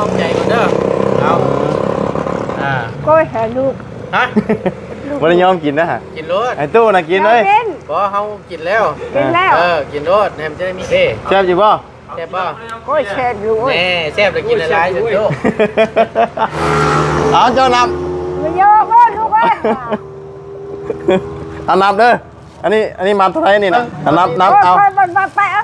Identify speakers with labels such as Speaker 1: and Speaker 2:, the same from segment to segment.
Speaker 1: อบใจก่อนเด้อเอา
Speaker 2: ก็เห็นลูก
Speaker 1: ฮะ
Speaker 3: วันนี้ยอมกินนะฮะ
Speaker 1: กินรถ
Speaker 3: ไอ้ตู้น่ะกินเลย
Speaker 1: พอเฮากินแล้วกินรถแหมจะได้มี
Speaker 3: แซ่บอยู่ป่ะ
Speaker 1: แซ่บป่ะ
Speaker 2: ก็แซ่บอยู่
Speaker 1: แน่แซ่บเลยกินอะไรสุดโต
Speaker 3: เอาเจ้านับ
Speaker 2: ไม่เยอะก็ลูกเอ้ย
Speaker 3: นับเด้ออันนี้มาเท่าไหร่นี่นะนับเอา
Speaker 2: บันไปอ่ะ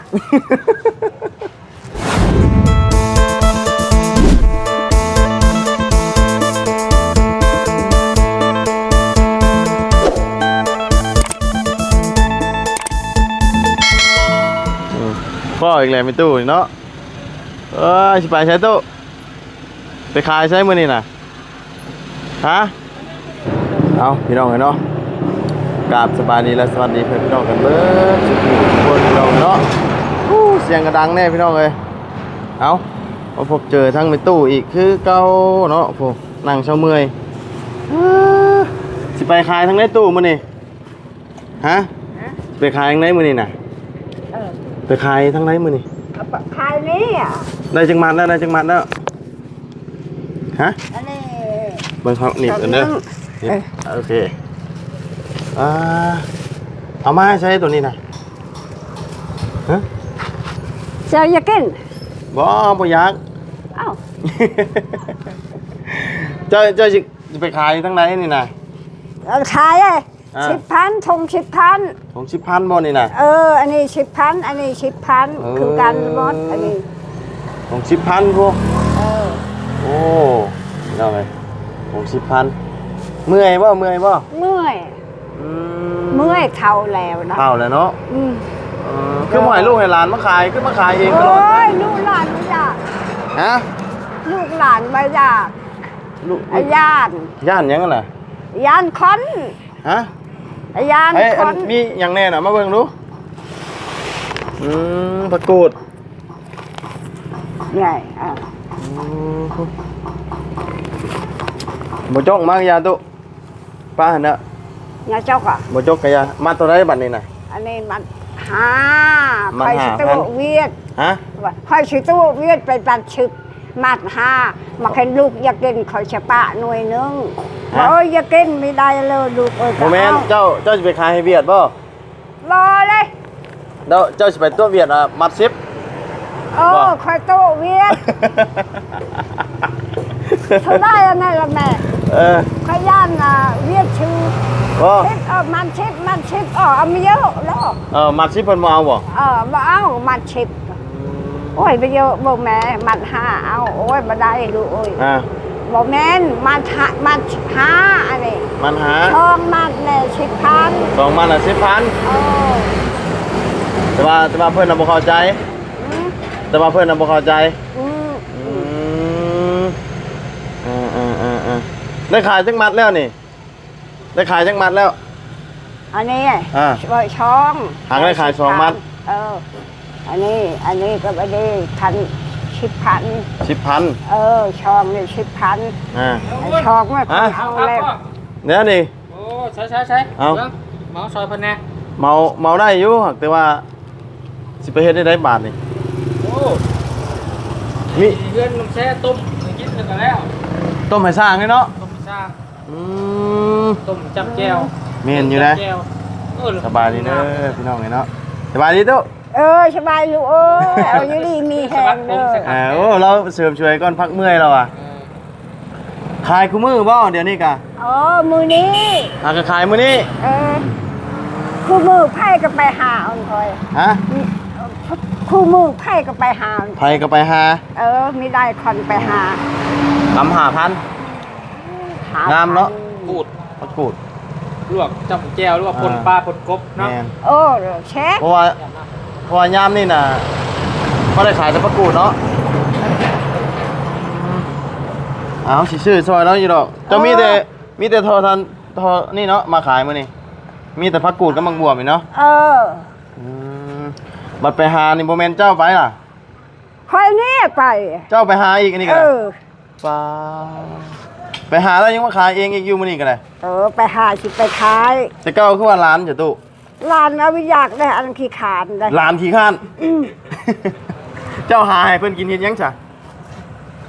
Speaker 3: พ่ออีกแล้วไม่ตู้เนาะสิไปใช้ตู้ไปขายใช้มือนี่น่ะฮะเอาพี่น้องกันเนาะกราบสบายดีและสวัสดีเพื่อนพี่น้องกันเบิดทุกคนพี่น้องเนาะเสียงกระดังแน่พี่น้องเลยเอาพบเจอทั้งไม่ตู้อีกคือเก่าเนาะพวกนั่งเช้าเมื่อยสิไปขายทั้งในตู้มือนี่ฮะไปขายทั้งในมือนี่น่ะไปขายทั้งไรมือนี่
Speaker 2: ขายนี่อ่ะ
Speaker 3: ได้จังมันแล้วฮะ
Speaker 2: อันนี้
Speaker 3: เบิ่งเขาหนีบกันเด้อโอเคเอามาให้ใช้ตัวนี้นะฮะ
Speaker 2: จะอยากกิน
Speaker 3: บ่อยาก
Speaker 2: อ้าว
Speaker 3: เจ้าจะไปขายทั้งไรนี่นะ
Speaker 2: ขาย10,000ทง10,000
Speaker 3: ของ10,000บ่นี่นะ
Speaker 2: อันนี้10,000อันนี้10,000คือกันหมดอันนี้
Speaker 3: ของ10,000พวกโอ้เอาไงของ10,000เมื่อยบ่เมื่อย
Speaker 2: เท่าแล้วนะ
Speaker 3: เท่าแล้วเนาะคือหมายลูกให้หลานมาขายขึ้นมาขายเองตลอด
Speaker 2: ลูกหลานไม่อยาก
Speaker 3: ฮะ
Speaker 2: ลูกหลานไม่อยาก
Speaker 3: ลูก
Speaker 2: ย่าน
Speaker 3: ยังไงน่ะ
Speaker 2: ย่านคอน
Speaker 3: ฮะ
Speaker 2: ย่านคอน
Speaker 3: มีอย่างแน่น่ะมาเบิ่งดูประกูด
Speaker 2: ใหญ่
Speaker 3: บ่จกมากยาตุป้าหั่นน่ะ
Speaker 2: ยาจกอ่ะ
Speaker 3: บ่จกกะยามาตัวใดบัดนี้น่ะ
Speaker 2: อันนี้มัน5ค่อยสิตัวเวียด
Speaker 3: ฮะ
Speaker 2: ค่อยสิตัวเวียดไปปัดชึกมัด5มาเห็นลูกอยากกินเขาจะปะหน่วยนึงอยากกินไม่ได้เลยลูก
Speaker 3: โมเมนต์เจ้าจะไปขายให้เวียดบ่
Speaker 2: รอเลย
Speaker 3: เจ้าสิไปตัวเวียดมัด10
Speaker 2: ค่อยตัวเวียดเท่าได้ยังไงล่ะแม่ขย่านเวียดชื่อมันชิปเอาไม่เยอะแล้ว
Speaker 3: มันชิปเพิ่นมาเอาบ่
Speaker 2: มาเอามันชิปโอ้ยไปเยอะบ่แม่มัน5เอาโอ้ยบ่ได้ดูโอ้ยบ่แม่นมัน5อันนี้
Speaker 3: มัน5
Speaker 2: ทองมันแน่10,000
Speaker 3: 2มัน10,000แต่ว่าเพิ่นน่ะบ่เข้าใจได้ขายจังมัดแล้วนี่ได้ขายจังมัดแล้ว
Speaker 2: อันนี้ช่อง
Speaker 3: หางได้ขาย2มัด
Speaker 2: อันนี้ก็ไปได้10,000ช่องนี่10,000ช่องไม่เอาแล้ว
Speaker 3: เนี่ยนี่
Speaker 1: โอ้ใช่
Speaker 3: เอา
Speaker 1: เมาซอยพันแน่
Speaker 3: เมาได้อยู่แต่ว่าสิไปเฮ็ดได้บาทนี่
Speaker 1: โอ้มีเพื่อนน้ำแช่ต้มกินกันแล้ว
Speaker 3: ต้มให้สร้างเลยเนาะ
Speaker 1: ต้มสร้างต้มจับแก้ว
Speaker 3: เมนอยู่นะสบายดีเนอะพี่น้องเนาะสบายดีตุ๊
Speaker 2: สบายลูกเอาอยู่ดีมีแหงเด้
Speaker 3: อเราเสริมช่วยก่อนพักเมื่อยเราขายคู่มือบ่เดี๋ยวนี้กะ
Speaker 2: มือนี้
Speaker 3: ก็ขายมือนี้
Speaker 2: คู่มือไผ่ก็ไปหาอันคอย
Speaker 3: ฮะ
Speaker 2: คู่มือไผ่ก็ไปหา
Speaker 3: ไผ่ก็ไปหา
Speaker 2: ไม่ได้คนไปหา
Speaker 3: 5,000งามเนาะกูด
Speaker 1: ลวกจับแก้วหรือว่าปนปลาปนกบเนาะ
Speaker 2: เช็ค
Speaker 3: เพราะว่ายามนี่น่ะก็ได้ขายแต่ประกูดเนาะเอาสิชื่อซอยแล้วอยู่ดอกจะมีแต่ทอนี่เนาะมาขายมื้อนี้มีแต่ผักกูดกับมังบวบนี่เนาะบัดไปหานี่บ่แม่นเจ้าไปล่ะ
Speaker 2: ค่อยนี่ไป
Speaker 3: เจ้าไปหาอีกอันนี้ก็ป้าไปหาแล้วยังมาขายเองอีกอยู่มื้อนี้ก็ได้
Speaker 2: ไปหาสิไปขาย
Speaker 3: แต่เก้าคือว่าร้านอยู่ตู้
Speaker 2: ร้านเอาอยากได้อันขี้ขานได้
Speaker 3: ร้านขี้ขานเจ้าหาให้เพิ่นกินเฮ็ดยังจ้ะ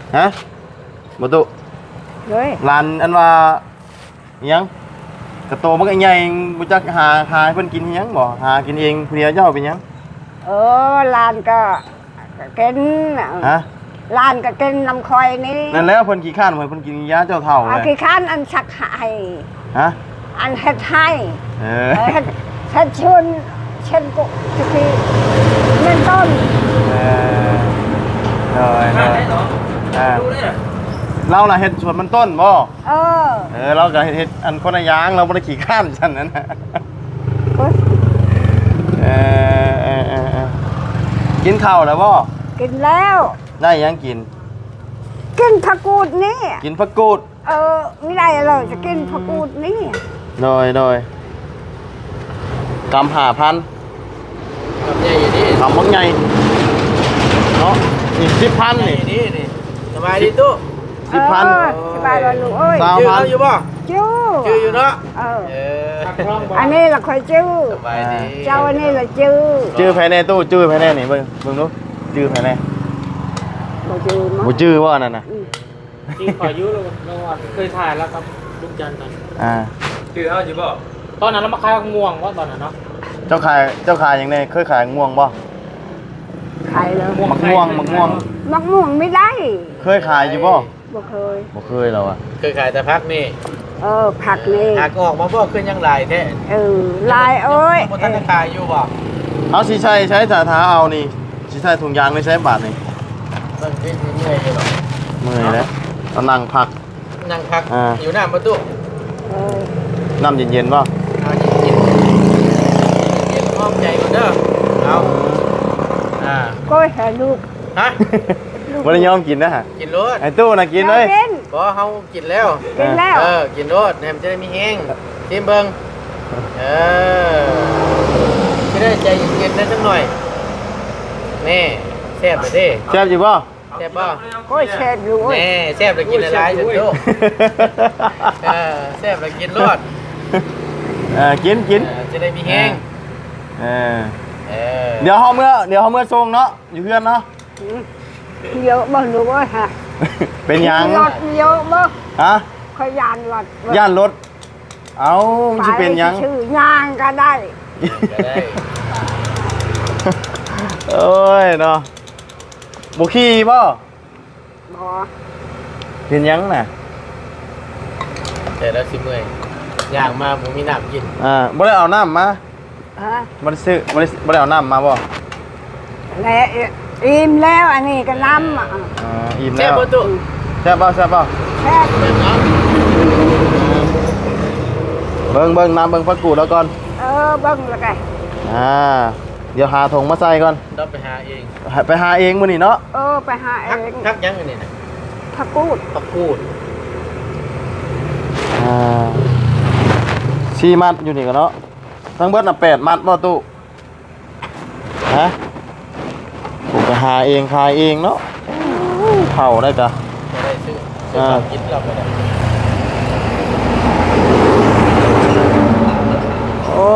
Speaker 3: ฮะบ่ตุ
Speaker 2: เลย
Speaker 3: ร้านอันว่าอิหยังกระโตมันก็ใหญ่บ่จักหาให้เพิ่นกินอิหยังบ่หากินเองผู้เดียวเจ้าเป็นหยัง
Speaker 2: ลานก็กิน
Speaker 3: ฮะ
Speaker 2: ลานก็กินน้ำคอยนี่
Speaker 3: นั่นแล้วเพิ่นขี้ข้านเพิ่นกินยาเจ้าเฒ่า
Speaker 2: อา
Speaker 3: เลย
Speaker 2: ขี้ข้านอันสักให้
Speaker 3: ฮะ
Speaker 2: อันเฮ็ดให้
Speaker 3: เออ
Speaker 2: เฮ็ดชวนเช่นกุจะกีเงินต้น
Speaker 3: เออโดย
Speaker 1: ข้าได้เหรอ
Speaker 3: อ่า
Speaker 1: ดูได้เหรอ
Speaker 3: เราน่ะเฮ็ดสวนมันต้นบ่
Speaker 2: เออ
Speaker 3: เราก็เฮ็ดอันคนละอย่างเราบ่ได้ขี้ข้านซั่นนั้นน่ะ
Speaker 2: เอ้ย
Speaker 3: เออกินข้าวแล้วบ่
Speaker 2: กินแล้ว
Speaker 3: ได้หยังกิน
Speaker 2: กินผักกูดนี่
Speaker 3: กินผักกูด
Speaker 2: ไม่ได้เลยจะกินผักกูดนี่
Speaker 3: โดยกำ5,000
Speaker 1: กับใหญ่อยู่นี่
Speaker 3: กำบักใหญ่เนาะนี่10,000
Speaker 1: ใหญ่
Speaker 3: นี่
Speaker 1: นี่สบายดีตู้
Speaker 3: 10,000
Speaker 2: สบายเลยลูกเอ้ย
Speaker 3: สาว
Speaker 1: ชื่อเขาอยู่ป่ะ
Speaker 2: จู้
Speaker 1: ชื่ออยู่เนาะ
Speaker 2: เออ
Speaker 1: เออ
Speaker 2: อันนี้ละคอยจู้
Speaker 1: สบายดี
Speaker 2: เจ้าอันนี้ละจู้
Speaker 3: จื้อภายในตู้จื้อภายในนี่เบิ่งดูจื้อภายใน
Speaker 2: บ่จู้มั้ง
Speaker 3: บ่จื้อว่านั่นน่ะ
Speaker 1: ที่ขอยุเราเคยถ่ายแล้วครับลูกจันทร์ตอน
Speaker 3: อ่า
Speaker 1: ชื่อเขาอยู่ป่ะตอนนั้นเรามาขายม่วงว่าตอนนั้นเนาะ
Speaker 3: เจ้าขายอย่างไงเคยขายม่วงบ่
Speaker 2: ขายเลย
Speaker 3: มะม่วง
Speaker 2: มักม่วงไม่ได้
Speaker 3: เคยขายอยู่บ่
Speaker 2: บ่เคย
Speaker 3: บ่เคยเราอ่ะ
Speaker 1: เคยขายแต่พักนี่
Speaker 2: ผักนี่
Speaker 1: หากออกมาบ่ขึ้นยังหลายแท้
Speaker 2: ลายเอ้ย
Speaker 1: บ่ทันได้ขายอยู่ป่ะ
Speaker 3: เอาสิใช้สาธาเอานี่สิใช้ถุงยางไม่ใช้บาทนี่
Speaker 1: มันเป็นเมื่อยอยู่หรอ
Speaker 3: เมื่อยแล้วเอานั่งพัก
Speaker 1: นั่งพัก
Speaker 3: อ่า
Speaker 1: อยู่หน้าประตู
Speaker 3: น้ำเย็นๆบ่
Speaker 1: เอาเย็นเย็นห้อมใจก่อนเด้อเอา
Speaker 2: ก็หาลูก
Speaker 1: ฮะ
Speaker 3: บ่ได้ยอมกินนะฮะ
Speaker 1: กินรถ
Speaker 3: ไอ้ตู้น่ะกินเลย
Speaker 2: กิน
Speaker 1: บ่เฮากินแล้ว
Speaker 2: กินแล้ว
Speaker 1: กินรถแหมจะได้มีแห้งชิมเบิ่งจะได้ใจเย็นๆได้สักหน่อยแน่แซ่บเลยเด้
Speaker 3: แซ่บอยู่บ่
Speaker 1: แซ่บบ่
Speaker 2: ก็แช่อยู่เว้ย
Speaker 1: แน่แซ่บเลยกินหลายๆจนโตแซ่บเลยกินรถ
Speaker 3: กิน
Speaker 1: จะได้มีแห้ง
Speaker 3: เออเดี๋ยวเฮาเมื่อส่งเนาะอยู่เพื่อนเนาะ
Speaker 2: เยอะบ่รู้ว่าฮะ
Speaker 3: เป็นหยัง
Speaker 2: รถเยอะบ่
Speaker 3: ฮะ
Speaker 2: ขยานรถ
Speaker 3: ย่านรถเอามันสิเป็นหยัง
Speaker 2: ชื่อย่างก็ได้
Speaker 1: ก็ได้
Speaker 3: เอ้ยเนาะบ่ขี่บ่
Speaker 2: บ่
Speaker 3: เป็นหยังน่ะ
Speaker 1: แต่แล้วสิเมื่อยย่างมาผมมีน้ำกิน
Speaker 3: บ่ได้เอาน้ำมา
Speaker 2: ฮะ
Speaker 3: บ่ได้ซื้อบ่ได้เอาน้ำมาบ่
Speaker 2: และอิ่มแล้วอันนี้ก็น้ำ
Speaker 3: อิ่ม
Speaker 1: แซ่
Speaker 3: แล้
Speaker 1: บ
Speaker 3: ว
Speaker 1: ประตู
Speaker 3: แซ่บบ่
Speaker 2: แช่
Speaker 1: เนาะ
Speaker 3: เบิ่งน้ำเบิ่งผักกูดแล้วก่อน
Speaker 2: เบิ่งแล้วกัน
Speaker 3: เดี๋ยวหาถุงมาใส่ก่อน
Speaker 1: ต้องไปหาเอง
Speaker 3: ไปหาเองมื้อนี้เนาะ
Speaker 2: ไปหาเอ
Speaker 1: พัก
Speaker 2: ง
Speaker 1: ยังอันนี้นะ
Speaker 2: ผักกูด
Speaker 1: พักกูด
Speaker 3: 4มัดอยู่นี่ก็เนาะทั้งเบิดน่ะ8มัดบ่ตู้ฮะผมไปหาเองขายเองเนาะเผาได้จ้ะ
Speaker 1: จะได้ซื้อของกินเราไปได้
Speaker 3: โอ้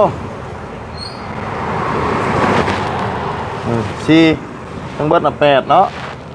Speaker 3: สี่ทั้งเบิดน่ะ8เนาะ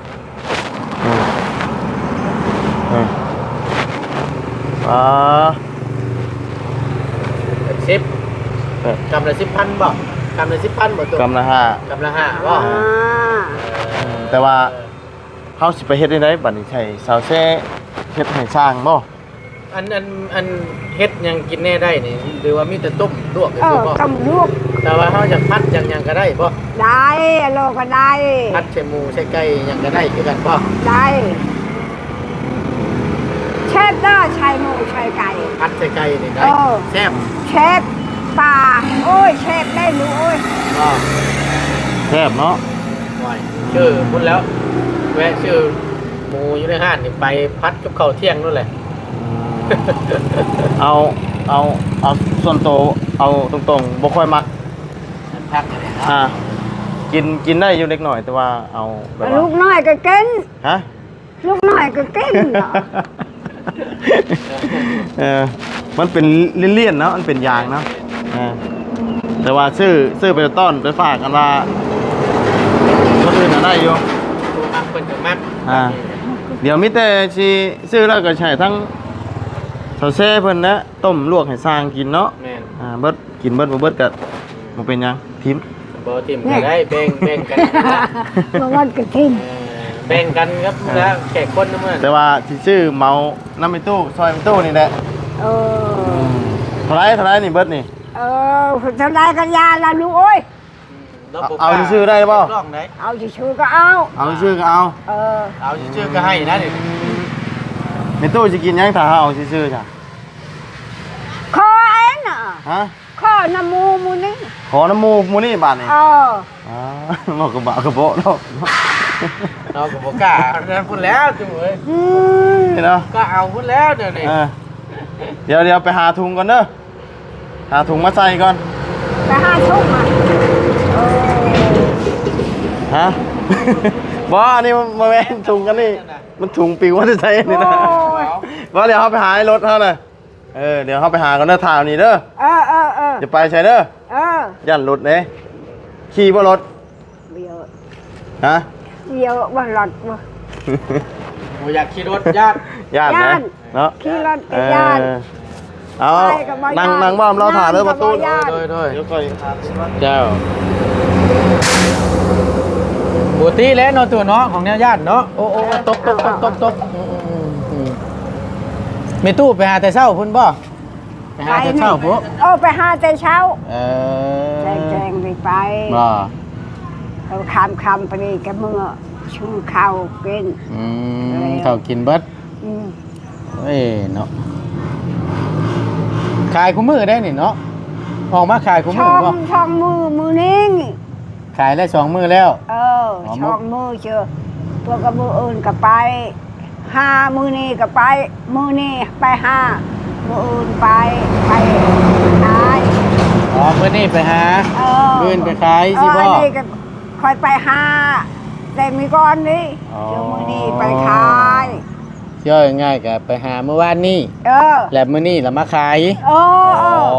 Speaker 1: 10กำละ10,000บ่กำละ10,000บ่ตัว
Speaker 3: กำละ
Speaker 1: กำละ5บ่
Speaker 3: 5แต่ว่าเฮาสิไปเฮ็ดได้ไดบัดนี้ใช่สาวแซ่เฮ็ดให้สร้างบ่
Speaker 1: อันเฮ็ดยังกินแน่ได้นี่หรือว่ามีแต่ต้มลวกก็คือบ่
Speaker 2: กำลูก
Speaker 1: แต่ว่าเฮาจะพัดยังก็ได้บ่
Speaker 2: ได้โลก็ได้
Speaker 1: พัดใส่หมูใส่ไก่ยังก็ได้คือกันบ่
Speaker 2: ได้เชฟได้ชายหมูชายไก่
Speaker 1: พัดใส่ไก่นี่ได้แซ่บ
Speaker 2: เชฟปลาโอ้ยเชฟได้รู้โอ้ย
Speaker 1: บ่
Speaker 3: แซ่บเนาะ
Speaker 1: ไหวชื่อพูดแล้วแวะชื่อหมูอยู่ในห้านนี่ไปพัดกับข้าวเที่ยงนู่นแหละ
Speaker 3: เอาส่วนโตวเอาตรงๆบ่ค่อยมัก
Speaker 1: พักอะไรครับ
Speaker 3: กินได้อยู่เล็กหน่อยแต่ว่าเอาแบบ
Speaker 2: ลู
Speaker 3: ว่าก
Speaker 2: น้อยก็กิน
Speaker 3: ฮะ
Speaker 2: ลูกน้อยก็กิน
Speaker 3: มันเป็นเลี่ยนๆเนาะมันเป็นยางเนาะแต่ว่าซื้อไปต้อนไปฝากกันว่าคนอื่นน่ะได้อยู่
Speaker 1: ตัวมักคนจะมัก
Speaker 2: ม
Speaker 3: เดี๋ยวมิแต่สิซื้อแล้วก็ใช้ทั้งเสาแซ่เพิ่นนะต้มลวกให้สร้างกินเนาะ
Speaker 1: แม่น
Speaker 3: เบิดกินเบิดบ่เบิดก็บ่เป็นหยังทิม
Speaker 1: บ่ทิมกันได้แบ่งกันนะ
Speaker 2: บางวันก็ทิ้ง
Speaker 1: แบ่งกันครับแล้วแขกคนนะเมื่อ
Speaker 3: แต่ว่าสิซื้อเมาน้ำในตู้ซอยในตู้นี่แหละ
Speaker 2: เออ
Speaker 3: เท่าไหรนี่เบิดนี่
Speaker 2: เออทำไรกันยาละลูกโอ้ย
Speaker 3: เอาชื่อได้เปล่า
Speaker 1: ลองได้
Speaker 2: เอาชื่อก็เอา
Speaker 3: เอาชื่อก็เอา
Speaker 2: เออ
Speaker 1: เอาชื่อก็ให้นะนี่
Speaker 3: ในตู้สิกินหยังถ้าเอาชื่อจ้ะ
Speaker 2: คอเอ็นอ่ะ
Speaker 3: ฮะ
Speaker 2: ข้อน้ำมูนี่
Speaker 3: ขอน้ำมูกมูนี่บาทนี่
Speaker 2: เออ
Speaker 3: หมอกกระบะกระโปะเนาะ
Speaker 1: เราก็บ่กล้านั่นพุ่นแล้วจุ๋ย
Speaker 3: นี่เนาะ
Speaker 1: ก็เอาพุ่นแล้วเดี๋ยวนี้
Speaker 3: เดี๋ยวไปหาถุงก่อนเด้อหาถุงมาใส่ก่อน
Speaker 2: ไปหาทุ่มอ่ะ
Speaker 3: ฮะ บ่อันนี้มาแม่นถุงกันนี่มันถุงปิวว่าจะใส่นี่นะบ่เดี๋ยวเขาไปหาให้รถเขาเลยเดี๋ยวเขาไปหากันเด้อทางนี้เด้อ
Speaker 2: เออ
Speaker 3: จะไปใช่เด้อ
Speaker 2: Ờ
Speaker 3: ย่านรถเด้ขี่บ่รถ
Speaker 2: Bây giờ
Speaker 3: ฮะ
Speaker 2: Bây giờ bằng lọt mà
Speaker 1: บ่อยากขี่รถญาติ
Speaker 3: ย่านนะเนาะ
Speaker 2: Khi lọt cái gian
Speaker 3: เอา
Speaker 2: ไปกับบ่ย่าน
Speaker 3: นั่งบ้อมเราถ่ายเด้อประตู
Speaker 2: นั่งกับบ่ย่าน
Speaker 3: โดย
Speaker 1: เดี๋ยวก่อนเจ้าบุตรีแล้วเนาะตัวเนาะของแนวญาติเนาะโอ้ตกมีตู้ไปหาแต่เช้าพุ่นบ่ไปหาแต่เช้าพวก
Speaker 2: Ô phải hai tay sáu
Speaker 1: เออ
Speaker 2: Chèn đi bay
Speaker 1: บ่
Speaker 2: Khăm phải đi cái mưa Xuống khao kinh
Speaker 1: เขากินเบิด
Speaker 2: Ừ
Speaker 1: เอ้ยเนาะขายคู่มือได้นี่เนาะออกมาขายคู่มือบ่
Speaker 2: Xong mưa nín
Speaker 1: ขายได้2มื้อแล้ว
Speaker 2: Xong mưa chưa Tôi có mưa ơn cả bay Ha mưa ni cả bay Mưa ni bay ha Mưa ơn bay Bay Ai
Speaker 1: อ๋อมื้อนี้ไปหา มื้อนี้ไปขายสิบ่
Speaker 2: นี่ก็คอยไปหาแต่มีก้อนนี่
Speaker 1: อ๋อ
Speaker 2: เดี๋ยวมื้อนี้ไปขาย
Speaker 1: ย่อยง่ายๆก็ไปหาเมื่อวานนี้
Speaker 2: เออ
Speaker 1: แล้วมื้อนี้เรามาขาย
Speaker 2: เออเออ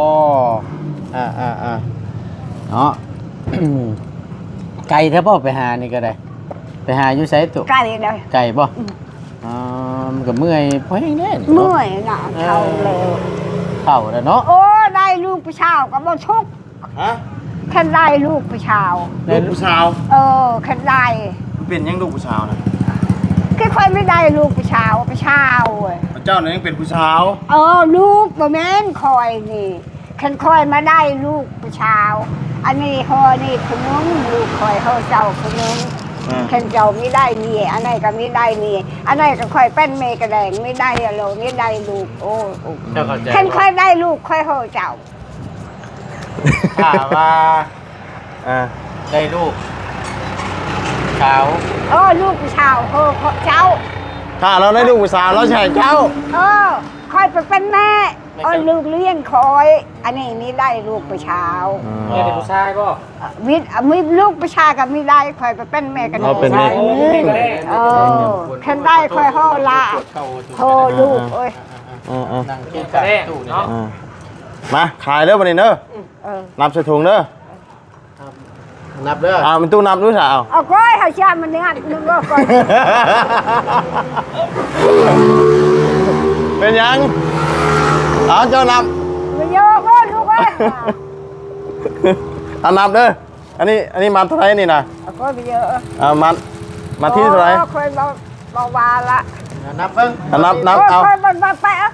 Speaker 1: เนาะ ไก่ถ้าพ่อไปหานี่ก็ได้ ไปหาอยู่ไสตุ
Speaker 2: ไก่เลย
Speaker 1: ไก่บ่มันก็เมื่อยเพราะแห้งแน่นี่
Speaker 2: เมื่อยน่ะเขาเลย
Speaker 1: เข้าแล้วเนาะ
Speaker 2: โอ้ได้ลูกผู้ชาวก็บ่ทุกข์
Speaker 3: ฮะ
Speaker 2: แค่ได้ลูกผู้ชาว
Speaker 3: ลูกผู้สาว
Speaker 2: เออแค่ได้
Speaker 3: มันเป็นยังลูกผู้สาวนะ
Speaker 2: คือค่อยไม่ได้ลูกผู้ชาวผู้ชาวเว้ย
Speaker 3: พระเจ้าเนี่ยยังเป็นผู้สาว
Speaker 2: เออลูกบ่แม่นคอยนี่คันคอยมาได้ลูกผู้ชาว อันนี้ฮอนี่ขนมลูกคอยเฮาเจ้าขนมคันเจ้าไม่ได้มีอันไหนก็ไม่ได้มีอันไหนก็คอยเป็นเมกระแดงไม่ได้อะโลไม่ได้ลูกโอ้
Speaker 1: เจ้าเข้าใจ
Speaker 2: คันคอยได้ลูกคอยเฮาเจ้า
Speaker 1: ถ้าว่า
Speaker 3: อ่า
Speaker 1: ได้ลูกสาว
Speaker 2: เออลูกผู้ชาวเฮาเจ้า
Speaker 3: ถ้าเราได้ลูกผู้สาวเราใช่เจ้า
Speaker 2: เออคอยไปเป็นแม่เออลูกเลี้ยงคอย อันนี้ไม่ได้ลูกผู้ชาว
Speaker 1: แม่เป็นผู้ชายบ่
Speaker 2: มีลูกผู้ชายก็ไม่ได้คอยไปเป็นแม่กัน
Speaker 3: เราเป็นแม่
Speaker 2: เออคันได้คอยเฮาละโทรลูกเอ้ย
Speaker 1: นั่งกินกับตู้เนาะ
Speaker 3: มาขายเด้อวันนี้เด้อ
Speaker 2: เออ
Speaker 3: นับใส่ถุงเด้อ
Speaker 1: นับเด้อ
Speaker 3: มันตู้นับด้วยสาว
Speaker 2: เอาก้อยเฮาชามันเนี่ยนึกว่าก้อย
Speaker 3: เป็นยังเอาเจ้านับ
Speaker 2: มันเยอะก็ลูกเอ้ย
Speaker 3: เอานับเด้ออันนี้มัดเท่าไหรนี่นะ
Speaker 2: เอาก้อยไปเยอะ
Speaker 3: มัดที่เท่าไหร
Speaker 2: คอยเบาๆละ
Speaker 1: นับเบิ่ง
Speaker 3: นับเอา
Speaker 2: คอยบ่ไปอ่ะ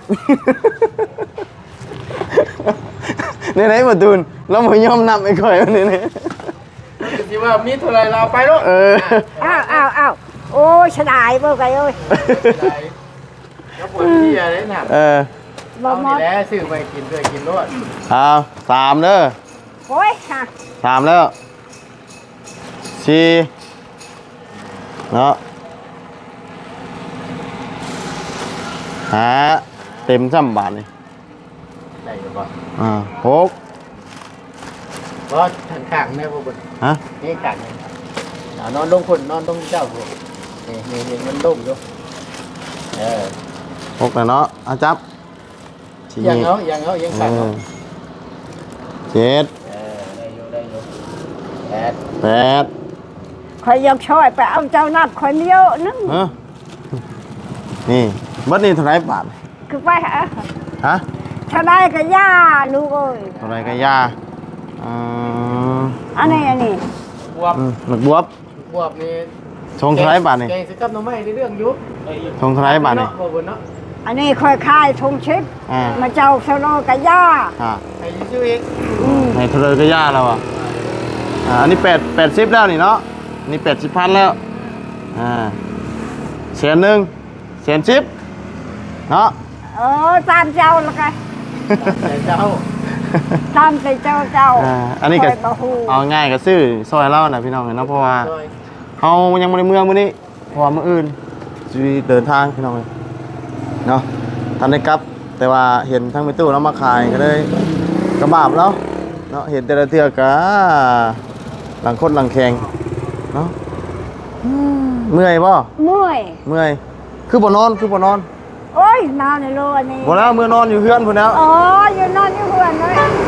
Speaker 3: นี่ไหนมาตูนแล้วมึงยอมนับไอ้ข่อยวันนี้นี่
Speaker 1: สิว่ามีเท่าไรเราไปลูก
Speaker 2: อ้าวโอ้ยฉลาดบ่ไกเอ้ย
Speaker 1: แล้วปวดที่อะไรน่ะ
Speaker 2: บ่หมด
Speaker 1: แล้วซื้อไปกินด้วยกินรวด
Speaker 3: เอา3เด้อ
Speaker 2: โอ้ยค่ะ
Speaker 3: 3แล้ว4เนาะเต็มซ้ำบาทนี่
Speaker 1: ได้หรือเปล่า
Speaker 3: 6
Speaker 1: ก็ข้างๆแม่พวกคุณ
Speaker 3: ฮะ
Speaker 1: นี่ข้างนี่นอนลงคนนอนลงเจ้าพวกนี่มันลงอยู่
Speaker 3: 6แล้วเนาะเอาจับ
Speaker 1: ยังข้างเนาะ
Speaker 3: 7
Speaker 1: ได้อยู่
Speaker 3: 8
Speaker 2: คอยยกช่อยไปเอาเจ้านับคนเดียวนึง
Speaker 3: ฮะนี่บัดนี้เท่าไหร่บาท
Speaker 2: คือไปฮะ
Speaker 3: ฮะ
Speaker 2: เท่าไรก็ย่าลูกเอ้ย
Speaker 3: เท่าไหร่ก็ยาอืม
Speaker 2: อันนี้
Speaker 1: บวบ
Speaker 3: หมึกบวบบ
Speaker 1: วบนี่
Speaker 3: ชงเท่าไหร่บาทนี่
Speaker 1: แกงสิกับหน่อไม้ในเรื่องยุบ
Speaker 3: ชงเท่าไหร่บาทนี่
Speaker 1: บ่บุญเนาะ
Speaker 2: อันนี้ค่อยคายทงชิป
Speaker 3: อ่า
Speaker 2: มาเจ้าเท่าไรก็ย่า
Speaker 3: อ่า
Speaker 1: ให้ชื่อเอง
Speaker 3: ให้เท่าไหร่ก็ยาแล้วอ่ะอันนี้80แล้วนี่เนาะอันนี้80,000แล้วแสนหนึ่งแสนสิบเนาะ
Speaker 2: ตามเจ้าละกัน
Speaker 1: แต่เจ้า
Speaker 2: ตามใจเจ้า
Speaker 3: อันนี้ก็
Speaker 2: คอยบ่ฮู้
Speaker 3: เอาง่ายก็ซื้อซอยเล่านะพี่น้องเนาะเพราะว่า
Speaker 1: ซอย
Speaker 3: เขายังไม่ได้เมืองมื้อนี้เพราะว่ามื้ออื่นจะเดินทางพี่น้องเลยเนาะทันได้กลับ แต่ว่าเห็นทั้งไปตู้แล้วมาขายก็เลยกระบาบแล้วเนาะเห็นแต่ละเทือกกะหลังคดหลังแข็งเนาะเมื่อยบ่
Speaker 2: เมื่อย
Speaker 3: เมื่อยคือบ่นอนคือบ่นอน
Speaker 2: โอ้ยนอนในโลอันนี้
Speaker 3: บ่แล้วมื้อนอนอยู่เฮือนพุ่นแล้ว
Speaker 2: อ๋ออยู่นอนอยู่เฮือนเลย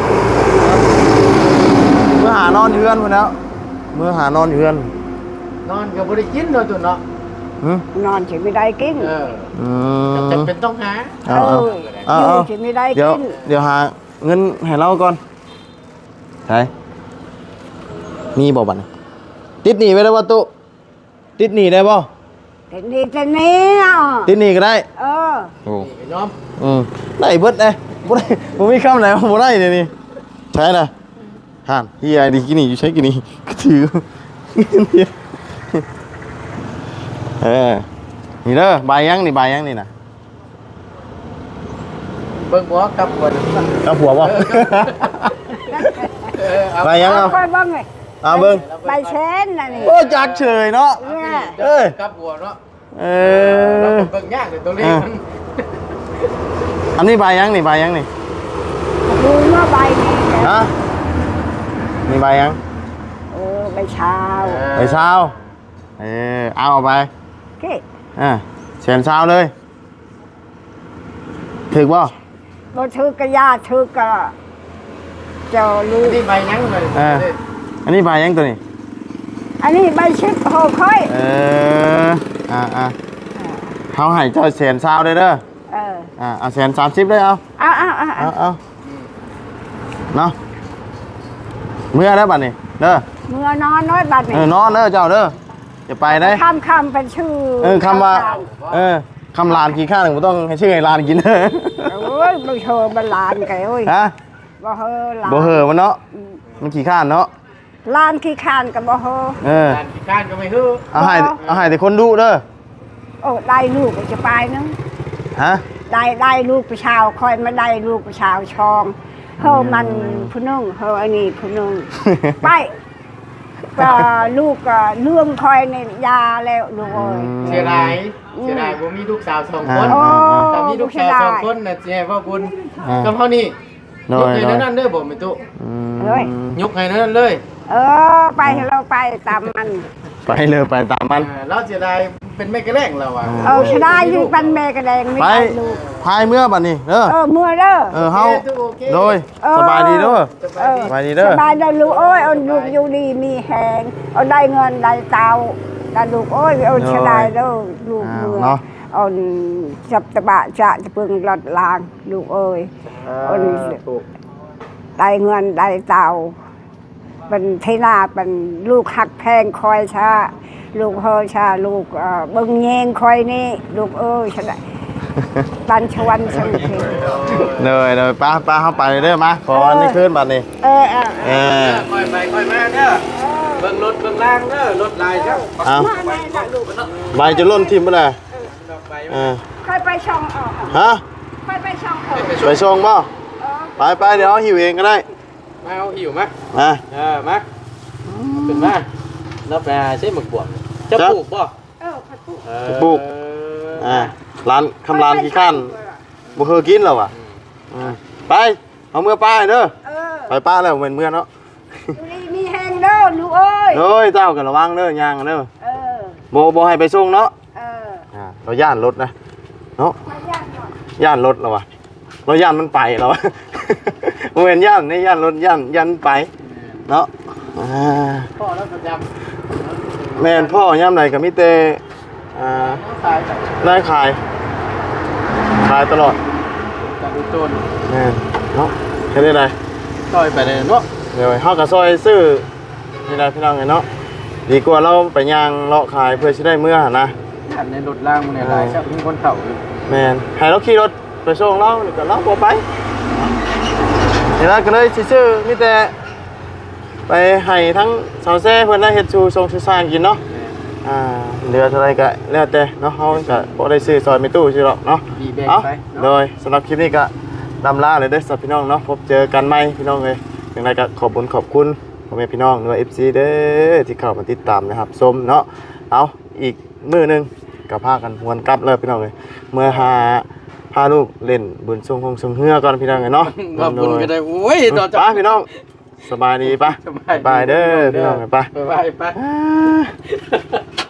Speaker 3: มื้อหานอนอยู่เฮือนพุ่นแล้วมื้อหานอนอยู่เฮือน
Speaker 1: นอนก็บ่ได้กินเนาะตุนเนาะ
Speaker 3: หึ
Speaker 2: นอนสิไม่ได้กิน
Speaker 3: อืม
Speaker 1: จำเป็นต้องหา
Speaker 2: อยู่สิไม่ได้
Speaker 3: เดี๋ยว
Speaker 2: กิน
Speaker 3: เดี๋ยวหาเงินให้เราก่อนไหนมีบ่บัดนี้ติดหนี้ไว้ได้บ่ตุติดหนี้ได้บ่
Speaker 2: แต่นี่แต่นี่อ่ะ
Speaker 3: ติดหนี้ก็ได้
Speaker 2: เออ
Speaker 3: โอ้
Speaker 1: นี่ก็ยอม
Speaker 3: ได้เบิดเลยบ่ได้บ่มีคำไหนว่าบ่ได้เดี๋ยวนี้ใช่น่ะห่านเฮียดีกินนี่อยู่ใช้กินนี่ก็ถือนี่เด้อใบยังนี่ใบยังนี่น่ะ
Speaker 1: เบิ่งบ่กับหัว
Speaker 3: กับผัวบ่ ใบยังเอา
Speaker 2: ค่อยบ้างเลย
Speaker 3: เอาเบิ่ง
Speaker 2: ใบเชนน่ะนี่
Speaker 3: โอ้จักเฉยเนาะ
Speaker 2: เนี่ย
Speaker 3: เอ้ย
Speaker 1: กับหัวเนาะ
Speaker 3: เอ
Speaker 1: เรา
Speaker 3: อ
Speaker 1: เบิ่งยากเลยตัวเลขมัน
Speaker 3: อันนี้ใบยังนี่ใบยังนี่
Speaker 2: ดูเมื่อใบนี้
Speaker 3: ฮะนี่ใบยัง
Speaker 2: ใบเช้า
Speaker 3: ใบเช้าเอาไป
Speaker 2: เก้
Speaker 3: เสียนเช้าเลยถึกบ่
Speaker 2: บ่ถือกระยาถือกระเจ้าลูก
Speaker 1: นี่ใบยังเลย
Speaker 3: อันนี้ใบยังตัวนี้
Speaker 2: อันนี้ใบชิปโหค่อย
Speaker 3: เขาให้เจ้าเสียนเช้าเลยเด้อเอาเสียน30เลยเอาเนาะเมื่อได้บัดนี้เด้อ
Speaker 2: เมื่อนอนน้อยบัดนี้
Speaker 3: นอนเด้อเจ้าเด้อจะไปได้
Speaker 2: คำเป็นชื่อ
Speaker 3: คำว่าคำลานกินข้าวหนึ่งไม่ต้องให้ชื่อไอ้ลานกินเด้อ
Speaker 2: โอ้ยบ่เฮอบ่ลานไกโอ้ย
Speaker 3: ฮะ
Speaker 2: บ่เฮอลาน
Speaker 3: บ่เหอะมันเนาะมันขี้ข้านเนาะ
Speaker 2: ลานขี้คานกับบ่เฮอ
Speaker 1: การพิการก็ไม่ฮื้อ
Speaker 3: เอาให้แต่คนดูเด้อ
Speaker 2: โอ้ได้ลูกก็จะไปนึง
Speaker 3: ฮะ
Speaker 2: ได้ลูกผู้ชาวคอยมาได้ลูกผู้ชาวชองเฮามันผู้นึงเฮาอันนี้ผู้นึงไปก็ลูกก็เรื่องคอยในยาแล้วลูกเอ้ย
Speaker 1: เสียดายบ่มีลูกสาว2 คน
Speaker 2: โอ้
Speaker 1: ถ้ามีลูกสาว2 คนน่ะสิให้พ่อคุณกับเฮานี่ยกให้นั่นเด้อบ่แม่ตุยกให้นั่นเลย
Speaker 2: ไปเราไปตามมัน
Speaker 3: ไปเลยไปตามมัน
Speaker 1: เราเสียดายเป็นแม่กระแรงเราอ่ะ
Speaker 2: ชนะอยู่ปันแม่กระแดงไม่
Speaker 3: ไป
Speaker 2: ได้ลูก
Speaker 3: พายเมื่อบัดนี้เด้อ
Speaker 2: เมื่อเด้อ
Speaker 3: เฮาโดยสบายดีเด้อ สบายดีเด้อ
Speaker 2: สบายได้ลูกโอ้ยเอาลูกอยู่ดีมีแหงเอาได้เงินได้เตาได้ลูกโอ้ยเอาชนะเด้อลูกเมื่อ
Speaker 3: เนาะ
Speaker 2: เอาจับตะบะจะเพิ่งหลอดลางลูกเอ้ยได้เงินได้เตาเป็นเทนาเป็นลูกหักแพงคอยชาลูกเฮอชาลูกเบิ่งแยงคอยนี่ลูกเอ้ยฉันได้บันชวันสังเกต
Speaker 3: เลยป้าเข้าไปเด้อมาขออันนี้ขึ้นบัดนี้
Speaker 1: ค่อยไปค่อยมาเด้อเบิ่งรถเบิ่งล่างเด้อรถลายเจ้า
Speaker 3: เอา
Speaker 2: มาแม่นะลูก
Speaker 3: ใบจะล่นทิมบ่ได้
Speaker 2: ค่อยไปช่องออก
Speaker 3: ฮะ
Speaker 2: ค่อยไปช่องออก
Speaker 3: ไปส่งบ่ไปเดี๋ยวหิวเองก็ได้
Speaker 1: มาเอาหิวมา
Speaker 3: มา
Speaker 1: มาขึ้นมาแล้วไปใช้หมึกบวกจะปลูกบ่
Speaker 2: พัดปุ๊
Speaker 3: ปลูกร้านคำร้านขี้ข้านบ่เคยกินแล้วว่ะไปเอาเมื่อป้าเด้อไปป้าแล้วเหมือนเมื่อเนาะ
Speaker 2: ดูนี่มีแหงเด้อลูกเอ้ย
Speaker 3: เฮ้ยเจ้ากันระวังเด้อย่างเด้อบ่ให้ไปส่งเนาะเราย่านรถนะเนาะย่านรถแล้วว่ะเราย่านมันไปแล้วบ่เห็นย่านนี่ย่านรถย่านไปเนาะ
Speaker 1: พ่อแล้วประจำ
Speaker 3: แม่นพ่อย่ำไหนก็มีแต่นายขายขายตลอด
Speaker 1: การดูต้น
Speaker 3: แม่นเนาะแค่ได้ไร
Speaker 1: ต่อยไปเลยเนาะ
Speaker 3: เดี๋ยวเฮากับซอยซื้อนี่ได้พี่น้องไงเนาะดีกว่าเราไปย่างเลาะขายเพื่อสิได้เมื่อนะ
Speaker 1: อันในรถล่างมันในลายชักมีคนเข่าอยู่
Speaker 3: แม่นให้เราขี่รถไปส่งเราแล้วก็เราบ่ไปนี่ล่ะก็เลยสิซื้อมีแต่ไปให้ทั้งสาวแซ่เพิ่นได้เฮ็ดสู่ทรงสู่สร้างกินเนาะเหลือเท่าไรก็แล้วแต่เนาะเฮาก็บ่ได้ซื้อซอยไม่ตู้ซื่อหรอกเนาะ
Speaker 1: ดีแบง
Speaker 3: เอา
Speaker 1: ไป
Speaker 3: โดยสำหรับคลิปนี้ก็ลำลาเลยเด้อสำหรับพี่น้องเนาะพบเจอกันใหม่พี่น้องเลยอย่างไรก็ขอบคุณพ่อแม่พี่น้องด้วย FC เด้อที่เข้ามาติดตามนะครับชมเนาะเอาอีกมื้อนึงก็พากันหวนกลับเลยพี่น้องเลยเมื่อพาลูกเล่นบุญทรงคงทรงเฮือก่อนพี่น้องเลยเนาะ
Speaker 1: ว่าบุญก็ได้โอ้ยต่อ
Speaker 3: ไปพี่น้องสบายดีปะ
Speaker 1: สบาย
Speaker 3: บายเด้อพี่น้องไป
Speaker 1: ไปไป